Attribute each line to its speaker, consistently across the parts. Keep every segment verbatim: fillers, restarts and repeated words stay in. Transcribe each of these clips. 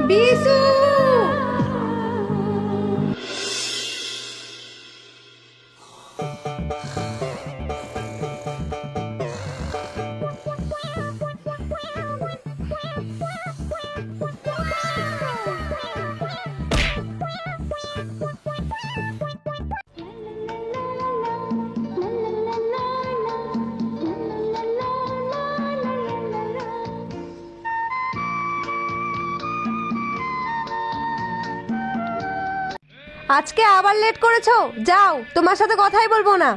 Speaker 1: বিশু! আজকে আবার লেট করেছো, যাও, তোমার সাথে কথাই বলবো না।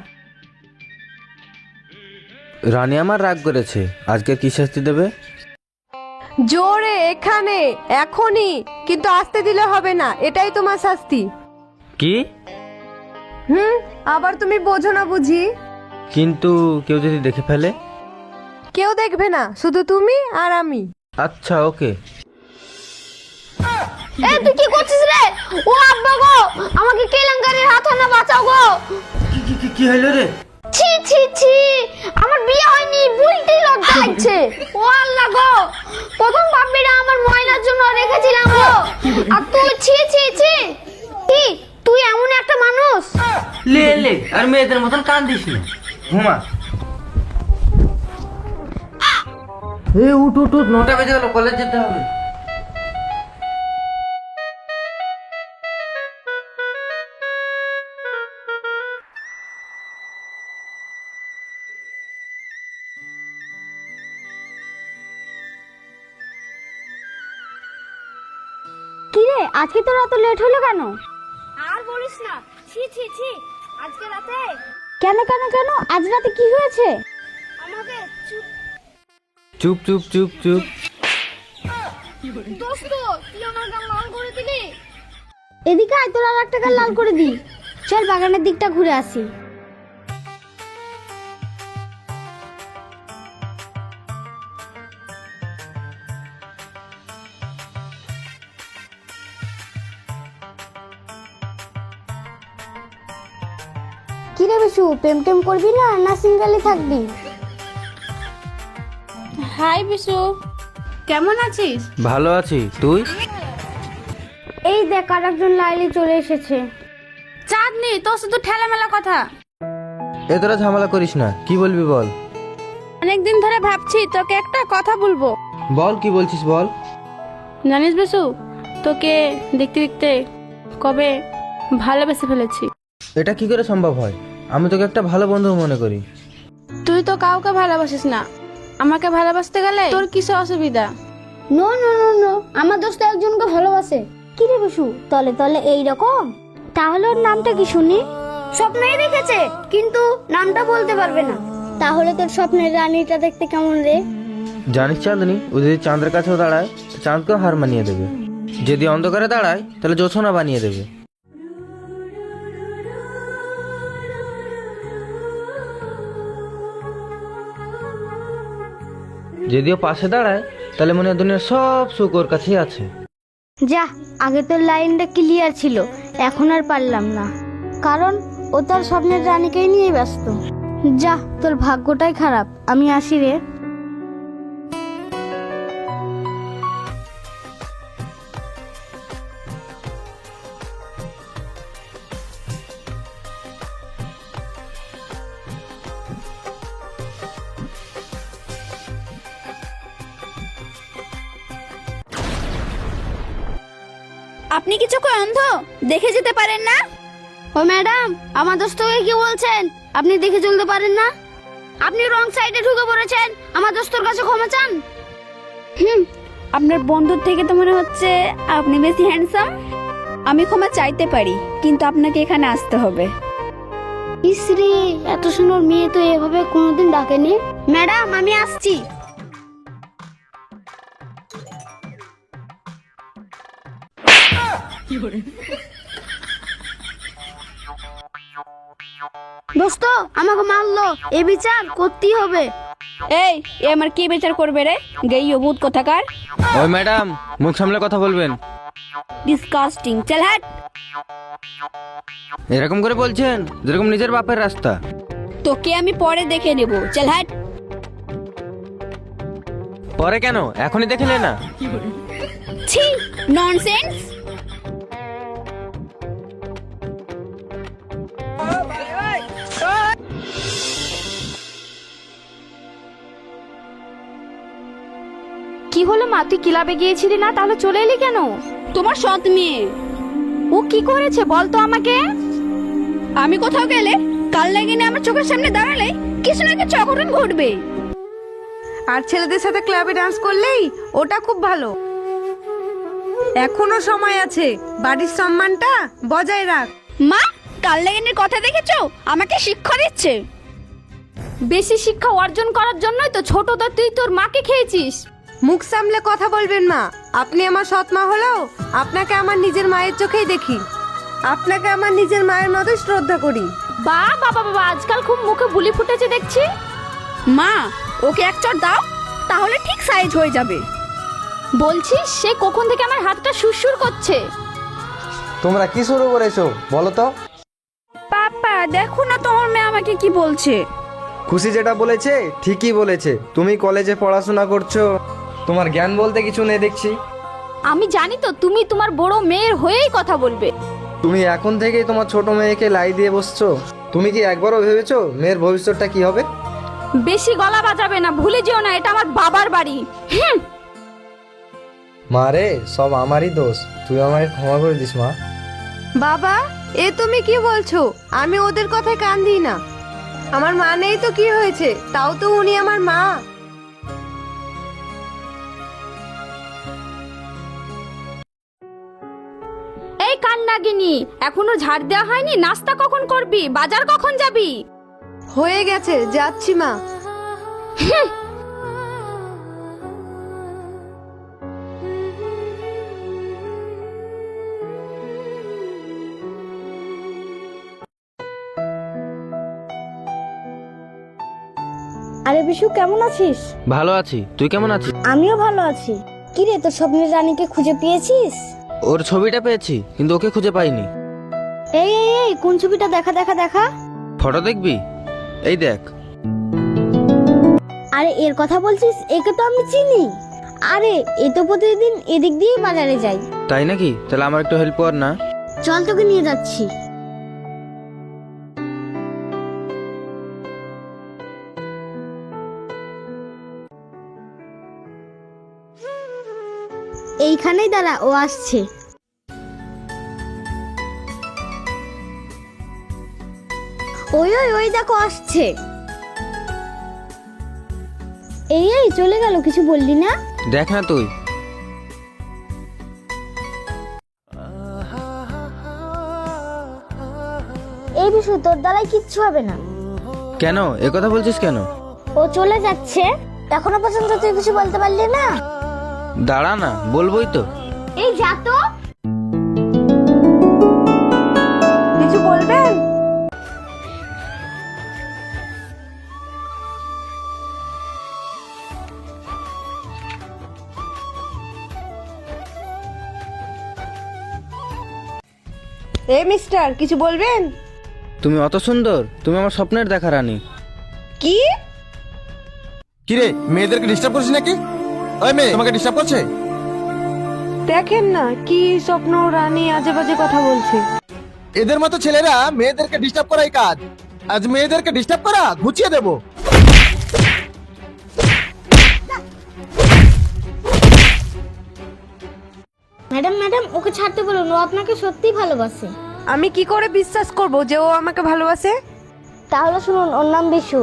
Speaker 2: রানী আমার রাগ করেছে, আজকে কি শাস্তি দেবে?
Speaker 1: জোরে এখানে এখনই, কিন্তু আসতে দিলে হবে না, এটাই তোমার শাস্তি।
Speaker 2: কি?
Speaker 1: হুম, আবার তুমি বোঝো না বুঝি?
Speaker 2: কিন্তু কেউ যদি দেখে ফেলে?
Speaker 1: কেউ দেখবে না, শুধু তুমি আর আমি।
Speaker 2: আচ্ছা, ওকে।
Speaker 3: এ তুই কি করছিস রে? ও আব্বা গো, আমাকে কেলেঙ্কারির হাত না বাঁচাও গো।
Speaker 2: কি কি কি কি হলো রে?
Speaker 3: ছি ছি ছি, আমার বিয়ে হয়নি, বলতেই লজ্জা লাগছে। ও আল্লাহ গো, প্রথম বাপ্পিটা আমার ময়নার জন্য রেখেছিলাম গো, আর তুই ছি ছি ছি। কি তুই এমন একটা মানুষ?
Speaker 2: লে লে, আর মেয়েদের মতন কান্দিস না, ঘুমা। এ উঠ উঠ উঠ, নটা বেজে গেল, কলেজ যেতে হবে।
Speaker 3: কি রে, আজকে তোর এত লেট হলো কেন? আর বলিস না, ছি ছি ছি, আজকে রাতে। কেন কেন কেন, আজ রাতে কি হয়েছে? আমাকে
Speaker 2: চুপ চুপ চুপ চুপ।
Speaker 3: দোস্ত, তুই আমার গাল লাল করে দিলি। এদিকে আয়, তোর আর একটা গাল লাল করে দি। চল বাগানের দিকটা ঘুরে আসি। কি রে বিশু, প্রেম টেম করবি না না সিঙ্গেলই থাকবি? হাই বিশু, কেমন আছিস?
Speaker 2: ভালো আছি, তুই?
Speaker 3: এই দেখ, আর একজন লাইলি চলে এসেছে। চাঁদনি, তোর শুধু ঠেলামেলা কথা।
Speaker 2: এ তোরা ঝামেলা করিস না, কি বলবি বল।
Speaker 3: অনেকদিন ধরে ভাবছি তোকে একটা কথা বলবো।
Speaker 2: বল, কি বলছিস বল।
Speaker 3: জানিস বিশু, তোকে দেখতে দেখতে কবে ভালোবেসে ফেলেছি।
Speaker 2: এটা কি করে সম্ভব হয়? আমি তোকে একটা ভালো বন্ধু মনে করি।
Speaker 3: তুই তো কাউকে ভালোবাসিস না, আমাকে ভালোবাসতে গেলে তোর কিসে অসুবিধা? নো নো নো নো, আমার দোস্ত একজনকে ভালোবাসে। কি রে বিশু, তলে তলে এই রকম? তাহলে ওর নামটা কি শুনি? স্বপ্নেই দেখেছে, কিন্তু নামটা বলতে পারবে না। তাহলে তোর স্বপ্নের রানীটা দেখতে কেমন রে?
Speaker 2: জানিস চাঁদনি, ও যদি চাঁদের কাছেও দাঁড়ায় তো চাঁদকেও হার মানিয়ে দেবে। যদি অন্ধকারে দাঁড়ায় তাহলে জোছনা বানিয়ে দেবে। যদিও পাশে দাঁড়ায় তাহলে মনে হয় দুনিয়ার সব সুখ ওর কাছেই আছে।
Speaker 3: যা, আগে তোর লাইনটা ক্লিয়ার ছিল, এখন আর পারলাম না, কারণ ও তার স্বপ্নের রানীকেই নিয়ে ব্যস্ত। যা, তোর ভাগ্যটাই খারাপ। আমি আসি রে।
Speaker 4: আপনি কি চোখে অন্ধ, দেখে যেতে পারেন না?
Speaker 3: ও ম্যাডাম, আমার দোস্তকে কি বলছেন? আপনি দেখে চলতে পারেন না? আপনি রং সাইডে ঢুকে পড়েছেন, আমার দোস্তর কাছে ক্ষমা চান।
Speaker 4: হুম, আপনার বন্ধুর থেকে তো মনে হচ্ছে আপনি বেশি হ্যান্ডসাম। আমি ক্ষমা চাইতে পারি, কিন্তু আপনাকে এখানে আসতে হবে।
Speaker 3: ইসরে, এত সুন্দর মেয়ে তো এভাবে কোনোদিন ডাকেনি। ম্যাডাম, আমি আসছি। দোস্ত আমাকে মারলো, এ বিচার করতেই হবে।
Speaker 4: এই, এ আমার কি বিচার করবে রে, গেই অভূত কোথাকার।
Speaker 2: ওই ম্যাডাম, মুখ সামলে কথা বলবেন।
Speaker 4: ডিসকাস্টিং, চল হাট।
Speaker 2: এরকম করে বলছেন যেরকম নিজের বাপের রাস্তা।
Speaker 4: তোকে আমি পরে দেখে নেব, চল হাট।
Speaker 2: পরে কেন, এখনই দেখে নে না।
Speaker 4: ছি, ননসেন্স।
Speaker 3: কি হলো মা, তুই ক্লাবে গিয়েছিলি না, তাহলে চলে এলি কেন?
Speaker 4: তোমার সৎ মেয়ে।
Speaker 3: ও কি করেছে বল তো আমাকে।
Speaker 4: আমি কোথাও গেলে, কাল লাগিনে আমার চোখের সামনে দাঁড়ালে কিছু না কিছু অঘটন ঘটবে।
Speaker 1: আর ছেলেদের সাথে ক্লাবে ডান্স করলেই ওটা খুব ভালো। এখনো সময় আছে, বাড়ির সম্মানটা বজায় রাখ।
Speaker 4: মা, কাল লাগিনের কথা দেখেছো, আমাকে শিক্ষা দিচ্ছে।
Speaker 3: বেশি শিক্ষা অর্জন করার জন্যই তো ছোটদা তুই তোর মাকে খেয়েছিস।
Speaker 1: মুখ সামলে কথা বলবেন মা। আপনি আমার সৎ মা হলেও আপনাকে আমার নিজের মায়ের চোখেই দেখি। আপনাকে আমার নিজের মায়ের মতোই শ্রদ্ধা করি।
Speaker 3: বা বাবা বাবা, আজকাল খুব মুখে বুলি ফুটেছে দেখছি।
Speaker 4: মা, ওকে এক চড় দাও, তাহলে ঠিক সাইজ হয়ে যাবে।
Speaker 3: বলছিস সে কখন থেকে আমার হাতটা সুরসুর করছে।
Speaker 2: তোমরা কি শুরু করেছো বলো তো?
Speaker 4: পাপা দেখো না তোমার মেয়ে আমাকে কি বলছে।
Speaker 2: খুশি যেটা বলেছে ঠিকই বলেছে। তুমি কলেজে পড়াশোনা করছো, তোমার জ্ঞান বলতে কিছু নেই দেখছি।
Speaker 3: আমি জানি তো তুমি তোমার বড় মেয়ের হয়েই কথা বলবে।
Speaker 2: তুমি এখন থেকেই তোমার ছোট মেয়েকে লাই দিয়ে বসছো। তুমি কি একবারও ভেবেছো মেয়ের ভবিষ্যৎটা কি হবে?
Speaker 3: বেশি গলা বাজাবে না, ভুলে যেও না এটা আমার বাবার বাড়ি। হুম।
Speaker 2: মা রে, সব আমারই দোষ, তুই আমাকে ক্ষমা করে দিস মা।
Speaker 1: বাবা, এ তুমি কি বলছো? আমি ওদের কথায় কান দিই না। আমার মা নেই তো কি হয়েছে, তাও তো উনি আমার মা।
Speaker 3: এই কান নাগিনি, এখনো ঝাড় দেওয়া হয়নি? নাস্তা কখন করবি? বাজার কখন যাবি?
Speaker 1: হয়ে গেছে, যাচ্ছি মা।
Speaker 3: আরে বিশু, কেমন আছিস?
Speaker 2: ভালো আছি, তুই কেমন আছিস?
Speaker 3: আমিও ভালো আছি। কি রে, তোর স্বপ্নের রানীকে খুঁজে পেয়েছিস?
Speaker 2: ওর ছবিটা পেয়েছি, কিন্তু ওকে খুঁজে পাইনি।
Speaker 3: এই এই এই, কোন ছবিটা? দেখা দেখা দেখা।
Speaker 2: ফটো দেখবি? এই দেখ।
Speaker 3: আরে এর কথা বলছিস? একে তো আমি চিনি। আরে এ তো প্রতিদিন এদিক দিয়ে বাজারে যাই।
Speaker 2: তাই নাকি? তাহলে আমার একটু হেল্প কর না।
Speaker 3: চল, তোকে নিয়ে যাচ্ছি। এইখানেই দাঁড়া, ও আসছে। ওই ওই ওই দেখো আসছে। এই এই চলে গেল, কিছু বললি না?
Speaker 2: দেখ না তুই।
Speaker 3: এই বিষয় তোর দ্বারাই কিচ্ছু হবে না।
Speaker 2: কেন এ কথা বলছিস কেন?
Speaker 3: ও চলে যাচ্ছে, এখনো পর্যন্ত তুই কিছু বলতে পারলি না?
Speaker 2: দাঁড়া না, বলবোই তো।
Speaker 3: এই যা তো।
Speaker 1: কিছু বলবেন? এ মিস্টার, কিছু বলবেন?
Speaker 2: তুমি অত সুন্দর, তুমি আমার স্বপ্নের দেখা রানী।
Speaker 1: কি?
Speaker 5: কিরে, মেয়েদেরকে ডিস্টার্ব করছিস নাকি? ওই মেয়ে তোমাকে ডিস্টার্ব করছে?
Speaker 1: দেখেন না কি স্বপ্ন রানী আজে বাজে কথা বলছে।
Speaker 5: এদের মতো ছেলেরা মেয়েদেরকে ডিস্টার্ব করাই কাজ। আজ মেয়েদেরকে ডিস্টার্ব করা ঘুচিয়ে দেবো।
Speaker 3: ম্যাডাম ম্যাডাম, ওকে ছাড়তে বলুন, ও আপনাকে সত্যিই ভালোবাসে।
Speaker 1: আমি কি করে বিশ্বাস করব যে ও আমাকে ভালোবাসে?
Speaker 3: তাহলে শুনুন, ওর নাম বিশু।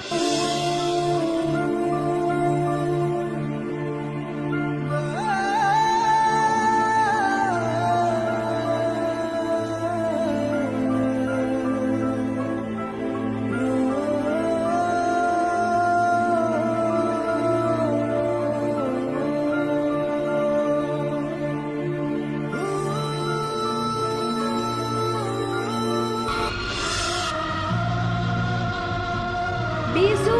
Speaker 1: বিশু,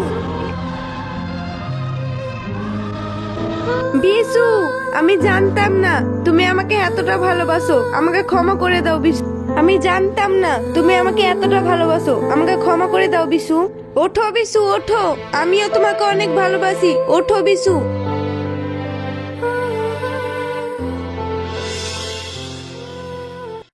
Speaker 1: বিশু, আমি জানতাম না তুমি আমাকে এতটা ভালোবাসো। আমাকে ক্ষমা করে দাও বিশু। আমি জানতাম না তুমি আমাকে এতটা ভালোবাসো। আমাকে ক্ষমা করে দাও বিশু। ওঠো বিশু ওঠো, আমিও তোমাকে অনেক ভালোবাসি, ওঠো বিশু।